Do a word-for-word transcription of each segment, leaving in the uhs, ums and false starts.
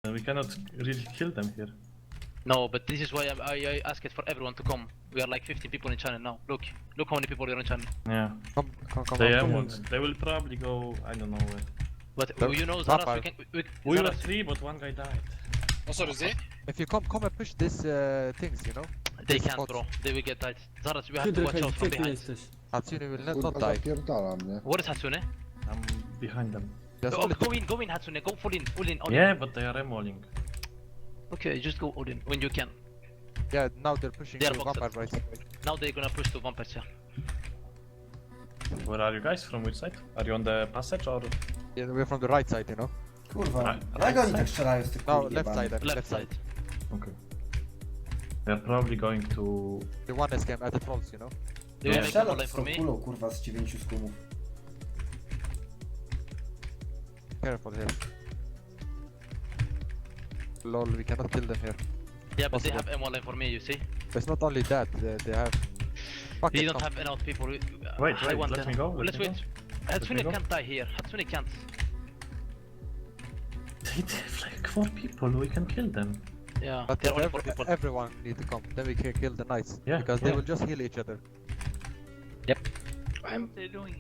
Uh, we cannot really kill them here. No, but this is why I, I, I asked for everyone to come. We are like fifty people in channel now. Look, look how many people are in channel. Yeah. Come, come, come They up. have ones. They will probably go. I don't know where. But There- you know, Top Zaras, we five. can. We, We were Zaras, three, but one guy died. What sort of Z? If you come, come and push this uh, things, you know. they This can't, spot. bro. They will get tight. Zaras, we have to Hydra, watch out from gdzie ty behind. jesteś? Hatsune will not, not Kurwa, die. zapierdala mnie. What is Hatsune? I'm behind them. There's Oh, only go in, go in, Hatsune. Go full in, full in. All Yeah, but they are emuling. In. Okay, just go all in when you can. Yeah, now they're pushing They are to boxed. vampire right. Now they're gonna push to vampires. Yeah. Where are you guys? From which side? Are you on the passage or? Yeah, we're from the right side, you know. Kurwa, Right, jak right oni side. tak strzelają z tych No, kul left jebanych? side, left, Left side. Okay. They're probably going to. The one that came at the trolls, you know. Do you Yeah. make a Strzelał line z for tą me? kulą, kurwa, z dziewięciu skumów. Careful here. Lol, we cannot kill them here. Yeah, but they Possible. have M one line for me. You see? But it's not only that, they, they have. Fuck They it, don't come. have enough people. Wait, I wait, want let them. me go, let Let's me wait. me Hatsune go. can't die here. Hatsune can't. They have like four people. We can kill them. Yeah, But there are only ev- four people. everyone need to come. Then we can kill the knights. Yeah, Because they yeah. will just heal each other. I'm they doing?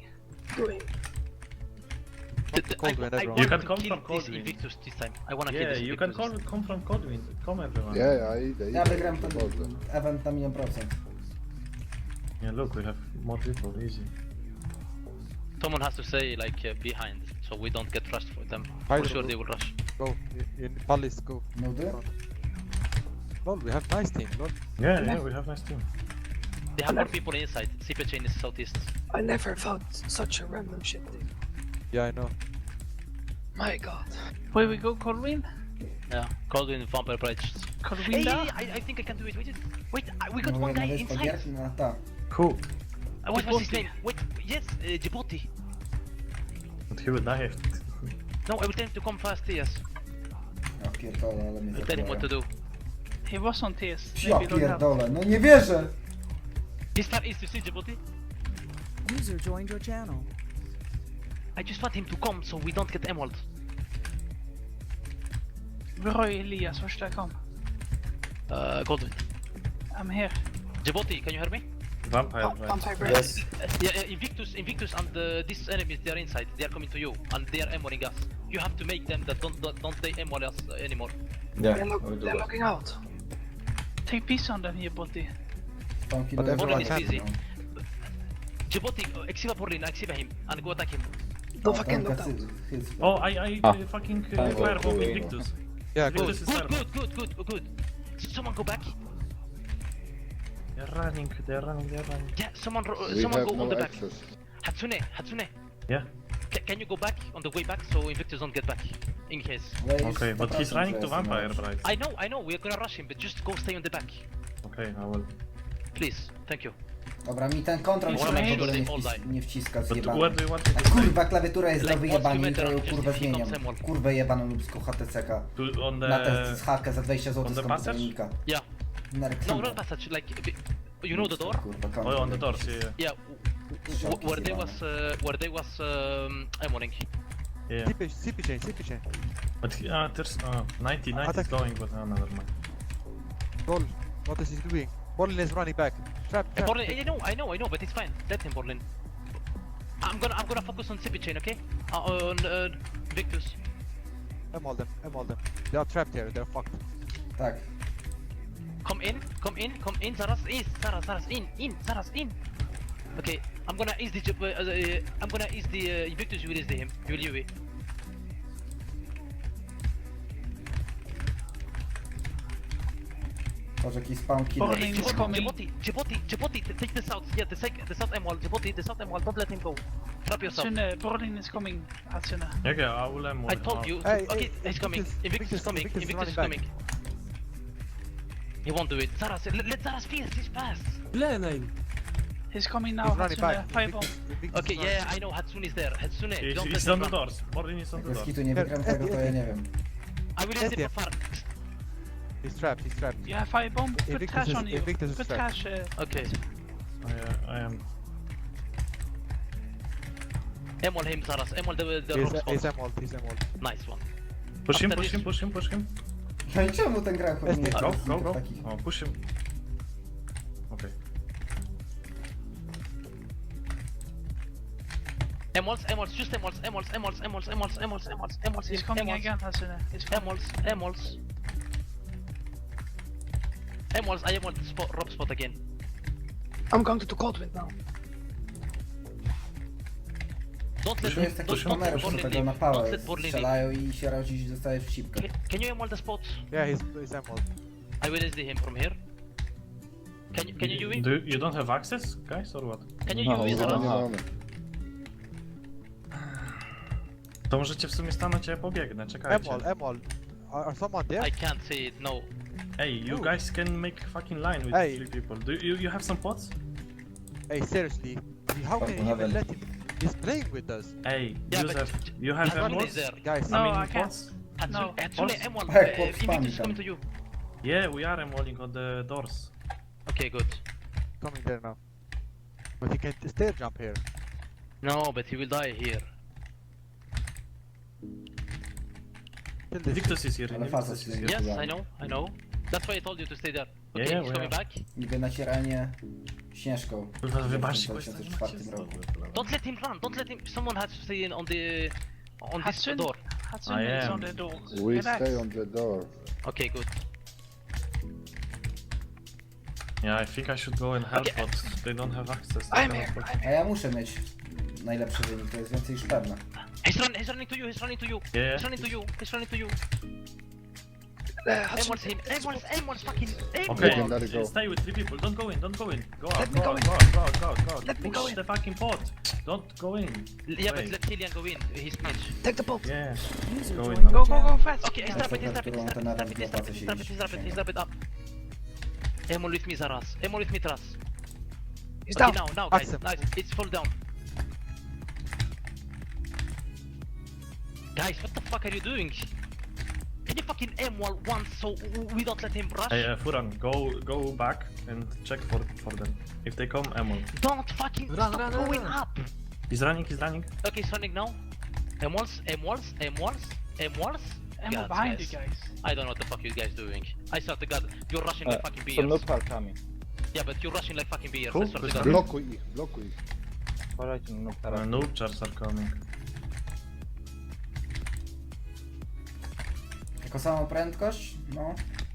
The- the- Cold I, wind, I everyone. want You can to come kill from this Cold Wind. Invictus this time. I wanna kill Yeah, this you can Invictus. call, come from Codwind. Come everyone. Nie, ja idę, Ja idę. wygram ten Dobrze. event na milion procent. Yeah, look, we have more people. Easy. Someone has to say like uh, behind, so we don't get rushed for them. Hydra, For sure go. they will rush. Go. In, in Palace, go. Nudy? Lol, we have nice team, lol. Yeah, yeah, we have nice team. They have more people inside. C P chain is southeast. I never felt such a random shit thing. Yeah, I know. My god. Where we go, Corwin? Yeah, Coldwind Vampire Bridge. Hey, Corwinda? I, I think I can do it. Wait, wait, I- we got No, one na guy wyspę inside. gier? No tak. Who? Uh, what was his Djibouti. name? Wait, yes, uh, Djibouti. But he will die. No, I will tell him to come fast, yes. Ja pierdolę, ale mnie I'll tell him what to zabijają. do. He was on T S. Ja Maybe don't have. pierdolę, no nie wierzę! This far east, you see Djibouti? User joined your channel. I just want him to come so we don't get emerald. Where are you, Elias? Where should I come? Uh, Coldwind. I'm here. Djibouti, can you hear me? Vampire, Oh, right? vampire breath. Yes. Yeah, yeah, Invictus, Invictus, and uh, these enemies, they are inside. They are coming to you, and they are emeralding us. You have to make them that don't don't, don't they emerald us uh, anymore. They're, look, they're looking out. Take peace on them here, buddy. Pąki But do everyone jedzenia, is busy. no. Djibouti, uh, Exiva Borlin, Exiva him, and go attack him. Don't A, fucking tam look tacy- out. hys- Oh, I, I Ah. uh, fucking uh, firebomb Invictus. Yeah, good. Invictus is Good, firebomb. good, good, good, good. S- Someone go back. They're running, they're running, they're running. Yeah, someone, ro- uh, We someone have go on no the back. access. Hatsune, Hatsune. Yeah. Ca can you go back on the way back so Invictus don't get back? In case. Ale jest Okay, but he's sto procent, running że to jest Vampire mąż. Bright. I know, I know, we're gonna rush him, but just go stay on the back. Okay, I will. Please, thank you. Dobra, mi ten kontrol Wanna się make w sure ogóle they nie, all wcis die. nie wciska But where zjebany. do you want to A go? kurwa, klawiatura jest Like, do what's wyjebania, the jutro ją matter? kurwę Just he zmieniam. comes emerald. Kurwę jebaną lubską H T C K. To, on Na test the... z hakę za dwadzieścia on złotych the z passage? komputernika. Yeah. No, Narkliwa. not passage, like, you know the door? Kurwa, Oh, kontrol on the jakiś. doors, yeah, yeah. Yeah, w- w- where they was, uh, where they was, um, emeralding. yeah. C P, C P chain, C P chain. But uh, there's uh, ninety, ninety is Attack. going, but uh, never mind. Lol, what is he doing? Borlin is running back. Trap, Hey, trap. Borlin, I know, I know, I know, but it's fine. Let him, Borlin. I'm gonna, I'm gonna focus on Sippy chain, okay? Uh, on uh, Victus. Emerald them, emerald them. They are trapped here, they're fucked. Tak. Come in, come in, come in, Zaras, in, Zaras, Zaras, in, in, Zaras, in. Okay, I'm gonna ease the, uh, uh, I'm gonna ease the uh, Victus. You will ease the him. You will U V. Może jakiś spawn kill. Borlin Hey, is Djibouti, coming. Djibouti, Djibouti, Djibouti, t- take the south. Yeah, the sec, the south emerald. Djibouti, the south emerald. Don't let him go. Trap yourself. Hatsune, Borlin is coming. Hatsune. Okay, I will um, I told you. Hey, okay, hey, he's coming. Invictus, Invictus is Invictus, coming. Invictus is Invictus is running coming. He won't do it. Zaras, let, let Zaras fierce. He's fast. Glenheim! He's coming now. He's running Hatsune, back. firebomb. Invictus- Invictus Okay, is yeah, running. I know. Hatsune is there. Hatsune, He's, don't he's let on him the run. doors. Morgan is on the Jak z doors. kitu nie wygram tego, to ja nie wiem. I will let him Yeah. far. He's trapped, he's trapped. You have firebomb? Put Invictus trash is- on you. Invictus is Put trapped. trash. Uh, Okay. I, uh, I am. Emol him, Zaras. Emol the the He's, rock he's spot. emerald, he's emerald. Nice one. Push him, After push this- him, push him, push him. No i czemu ten gra chodzi nie Go, go, go. takich? Oh, push him. Okay. Emeralds, emeralds, just emeralds, emeralds, emeralds, emeralds, emeralds, emeralds, emeralds, emeralds, He's coming emeralds, again, Hasuna. He's coming. Emeralds, emeralds. Emeralds, I emerald spot, rob spot again. I'm going to the cold wind now. Don't let, To jest don't, taki don't let numer, że Borlin tego na leave. pałę Don't let Borlin leave. strzelają i się razi i dostaje w sipkę. Can, can you emerald the spot? Yeah, he's, he's emerald. I will S D him from here. Can you, can you U V? Do you, you don't have access, guys, or what? Can you U V zaraz? To możecie w sumie stanąć, ja pobiegnę, czekajcie. Emerald, emerald. Are, are someone there? I can't see it, no. Hey, you Ooh. guys can make fucking line with Hey. three people. Do you, you have some pots? Hey, seriously. How can you have even a- let him? He's playing with us. Hey, Yeah, but Joseph, you have Hatsune emeralds? is there. Guys, No, I mean, I can't. pots? Hatsune, No. Hatsune Pots? emerald. Hey, Uh, pots, Invictus is spam coming them. to you. Yeah, we are emeralding on the doors. Okay, good. coming there now. But he can stair jump here. No, but he will die here. Kill this. Victus is here, Ale Invictus facet is się here. nie Yes, podoba. I know, I know. That's why I told you to stay there. Okay, Yeah, yeah, he's we coming are. back. Niby nacieranie śnieżką. Kurwa, w wybaczcie, dwa tysiące czwartym roku. Don't let him run. Don't let him. Someone has to stay in on the on this Hatsune. door. Hatsune I is am. on the door. We Relax. stay on the door. Okay, good. Yeah, I think I should go and help, Okay. but they don't have access. I'm here, I'm A here. ja muszę mieć najlepszy wynik, to jest więcej niż pewne. He's running. He's running to you. He's running to you. Yeah. He's running to you. He's running to you. Uh, Hatsune, Emerald's him. Emerald's. Emerald's fucking. Okay, Emerald. Let it go. stay with three people. Don't go in. Don't go in. Go out. Let me go go out. in. Go out. Go out. Go out. Go out. Let me Push go in. the fucking pot. Don't go in. Yeah, but Wait. let Killian go in. He's pitch. take the bolt. Yeah. User Go joined in. your Go, go, go channel. fast. Okay, he's That's rapid. He's what rapid. I'm He's doing, rapid. to He's rapid. He's rapid. He's rapid. He's rapid. Up. Emerald with me, Zaras. Emerald with me, Tras. He's Okay, down. now, now, guys. Awesome. Nice. It's fall down. Guys, what the fuck are you doing? Can you fucking aim wall once so we don't let him rush? Hey, uh, Furan, go go back and check for for them. If they come, emerald. Don't fucking stop going up. He's running. He's running. Okay, he's running now. Emeralds, emeralds, emeralds, emeralds. Emerald God, behind guys. you guys. I don't know what the fuck you guys doing. I swear to God, you're rushing like fucking Some beers. noob are coming. Yeah, but you're rushing like fucking beers. Cool, I swear to good God. stuff. Blokuj ich, blokuj ich. Uważajcie na noob Uh, teraz. noob chars are coming. Jako samą prędkość? No.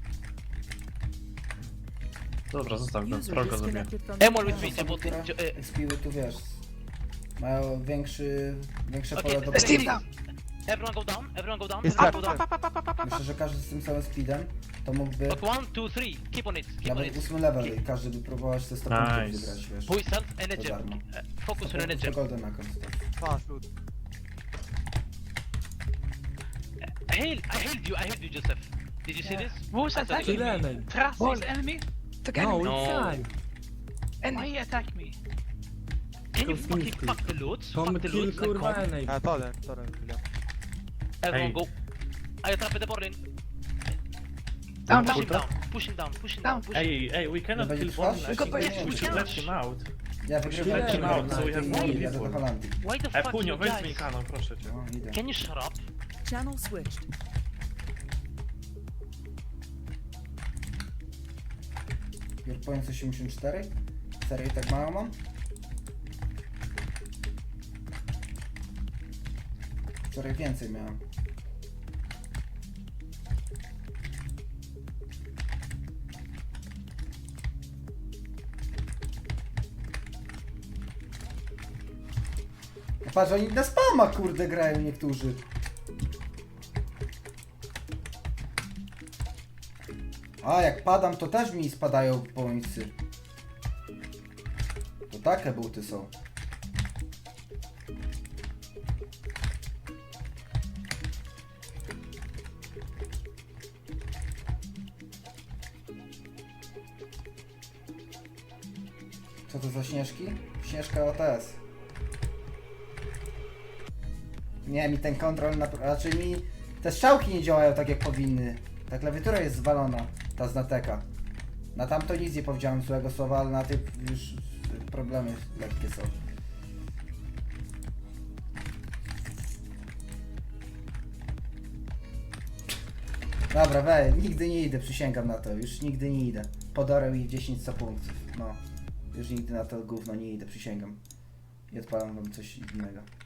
Dobra, zostaw go. User Troll go zabije. disconnected from your Emerald with me, channel. Osoby, Jabot. które expiły tu wiesz, mają większy, większe Okay, pole do let's Steam pola. down. Everyone go down, everyone go down, He's everyone go trapped. down. Myślę, że każdy z tym samym speedem to mógłby Okay, one, two, three. Keep on it, keep on nawet it. ósmy level i każdy by próbował te sto punktów Nice. wygrać, wiesz. Who is health? Energy. To darmo. Uh, Focus on To energy. golden account. Fast loot. Hail, I hailed you, I hailed you, Joseph. Did you see Yeah. this? Who's I thought attacking it was me? me. Tras Ball. is enemy? The enemy. No. Enemy. Why he attack me? Can you fucking fuck the loot? Fuck the loot and come. Ja, to ten, to ten. chwilę. Everyone Hey. go. I trap the Borlin. Down, Push down. him down, push him down, push him Down. down, push him. Hey, hey, we cannot będzie kill trwać? Borlin. I Tylko think pojedziemy. we should let him out. Ja should wygrywam let him na out, so we have more i jadę do people. Holandii. Why the Ej, fuck Punio, you weź mi guys? kanon, proszę cię. No, idę. Can you shut up? Channel switched. Yorkpoint osiemdziesiąt cztery? Serio tak mało mam? Wczoraj więcej miałem. No patrz, oni na spama kurde grają niektórzy. A, jak padam, to też mi spadają pońcy. To takie buty są. Co to za śnieżki? Śnieżka O T S. Nie, mi ten kontrol, na... raczej mi te strzałki nie działają tak jak powinny. Ta klawiatura jest zwalona, ta z Nateka. Na tamto nic nie powiedziałem złego słowa, ale na tych już problemy lekkie są. Dobra, we, nigdy nie idę, przysięgam na to, już nigdy nie idę. Podorę ich dziesięć punktów, no. Już nigdy na to gówno nie idę, przysięgam. I odpalam wam coś innego.